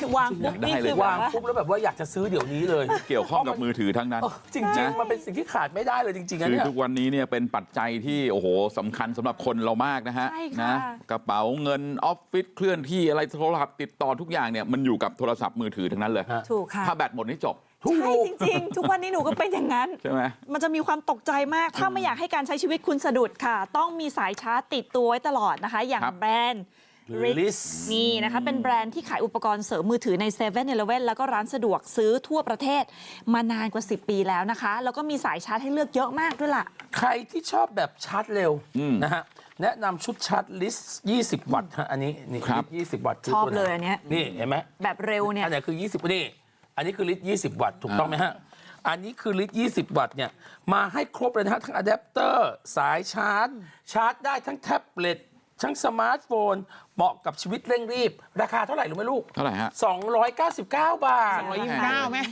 วางปุ๊บนี่คือวางปุ๊บแล้วแบบว่าอยากจะซื้อเดี๋ยวนี้เลยเกี่ยวข้องกับมือถือทั้งนั้นจริงๆมันเป็นสิ่งที่ขาดไม่ได้เลยจริงๆนะคือเนี่ยทุกวันนี้เนี่ยเป็นปัจจัยที่โอ้โหสำคัญสำหรับคนเรามากนะฮะนะกระเป๋าเงินออฟฟิศเคลื่อนที่อะไรโทรศัพท์ติดต่อทุกอย่างเนี่ยมันอยู่กับโทรศัพท์มือถือทั้งนั้นเลยถูกค่ะถ้าแบตหมดนี่จบใช่จริงๆทุกวันนี้หนูก็เป็นอย่างนั้นใช่ไหมมันจะมีความตกใจมากถ้าไม่อยากให้การใช้ชีวิตคุณสะดุดค่ะต้องมีสายชาร์จติดตัวไว้ตลอดนะคะอย่างแบรนด์ Riss นี่นะคะเป็นแบรนด์ที่ขายอุปกรณ์เสริมมือถือใน7-Eleven แล้วก็ร้านสะดวกซื้อทั่วประเทศมานานกว่า10 ปีแล้วนะคะแล้วก็มีสายชาร์จให้เลือกเยอะมากด้วยล่ะใครที่ชอบแบบชาร์จเร็วนะฮะแนะนำชุดชาร์จลิส20 วัตต์ฮะอันนี้นี่20 วัตต์ชอบเลยอันนี้นี่เห็นไหมแบบเร็วเนี่ยอันนี้คือ20นี่อันนี้คือลิตร20 วัตต์ถูกต้องไหมฮะอันนี้คือลิตร20 วัตต์เนี่ยมาให้ครบเลยนะฮะทั้งอะแดปเตอร์สายชาร์จได้ทั้งแท็บเล็ตทั้งสมาร์ทโฟนเหมาะกับชีวิตเร่งรีบราคาเท่าไหร่รู้ไหมลูกเท่าไหร่ฮะ 299 บาท 229แม่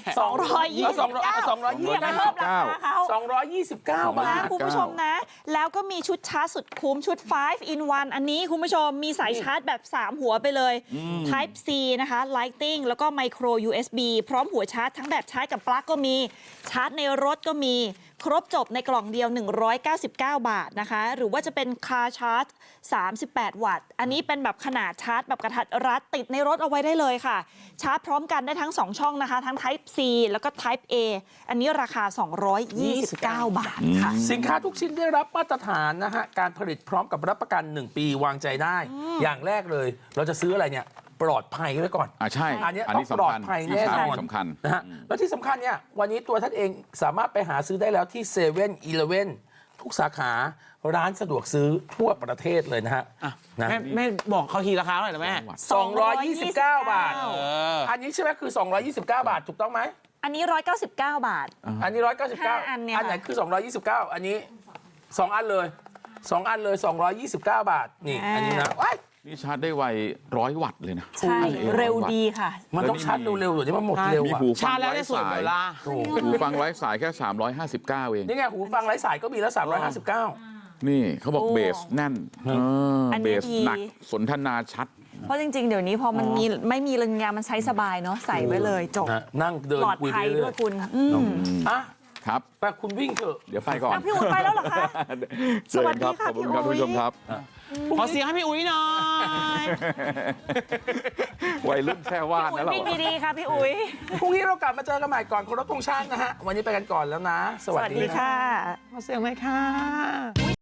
229อย่าไปเพิ่มราคาเขา 229 บาทคุณผู้ชมนะแล้วก็มีชุดชาร์จสุดคุ้มชุด5 in 1อันนี้คุณผู้ชมมีสายชาร์จแบบ3หัวไปเลย Type C นะคะ Lighting แล้วก็ Micro USB พร้อมหัวชาร์จทั้งแบบชาร์จกับปลั๊กก็มีชาร์จในรถก็มีครบจบในกล่องเดียว199 บาทนะคะหรือว่าจะเป็นคาร์ชาร์จ38 วัตต์อันนี้เป็นแบบขนาดชาร์จแบบกระทัดรัดติดในรถเอาไว้ได้เลยค่ะชาร์จพร้อมกันได้ทั้ง2ช่องนะคะทั้ง Type C แล้วก็ Type A อันนี้ราคา229 บาทค่ะสินค้าทุกชิ้นได้รับมาตรฐานนะฮะการผลิตพร้อมกับรับประกัน1 ปีวางใจได้อย่างแรกเลยเราจะซื้ออะไรเนี่ยปลอดภัยไว้ก่อนใช่อันนี้ต้องปลอดภัยแน่นอนสำคัญนะฮะแล้วที่สำคัญเนี่ยวันนี้ตัวท่านเองสามารถไปหาซื้อได้แล้วที่7-Eleven ทุกสาขาร้านสะดวกซื้อทั่วประเทศเลยนะฮะแม่บอกเขาทีราคาเท่าไหร่นะแม่ 229 บาทอันนี้ใช่ไหมคือ229 บาทถูกต้องไหมอันนี้199 บาทอันนี้199อันไหนคือ229อันนี้2 อันเลย2 อันเลย229 บาทนี่อันนี้นะนี่ชาร์จได้ไว100 วัตต์เลยนะใช่เร็วดีค่ะมันต้องชาร์จเร็วๆเดี๋ยวนี้มันหมดเร็วมีหูฟังไร้สายหูฟังไร้สายแค่359เองนี่ไงหูฟังไร้สายก็มีแล้ว359 นี่เขาบอกเบสแน่นเบสหนักสนทนาชัดเพราะจริงๆเดี๋ยวนี้พอมันมีไม่มีเรื่องงานมันใช้สบายเนาะใส่ไว้เลยจบนั่งเดินคุยไปเรื่อยคุณครับแต่คุณวิ่งเถอะเดี๋ยวไปก่อนพี่อุ้ยไปแล้วเหรอคะสวัสดีค่ะพี่อุ้ยคุณผู้ชมครับขอเสียงให้พี่อุ้ยหน่อยวัยรุ่นแค่ว่านะเราวิ่งดีๆค่ะพี่อุ้ยพรุ่งนี้เรากลับมาเจอกันใหม่ก่อนเคารพธงชาตินะฮะวันนี้ไปกันก่อนแล้วนะสวัสดีค่ะขอเสียงไหมค่ะ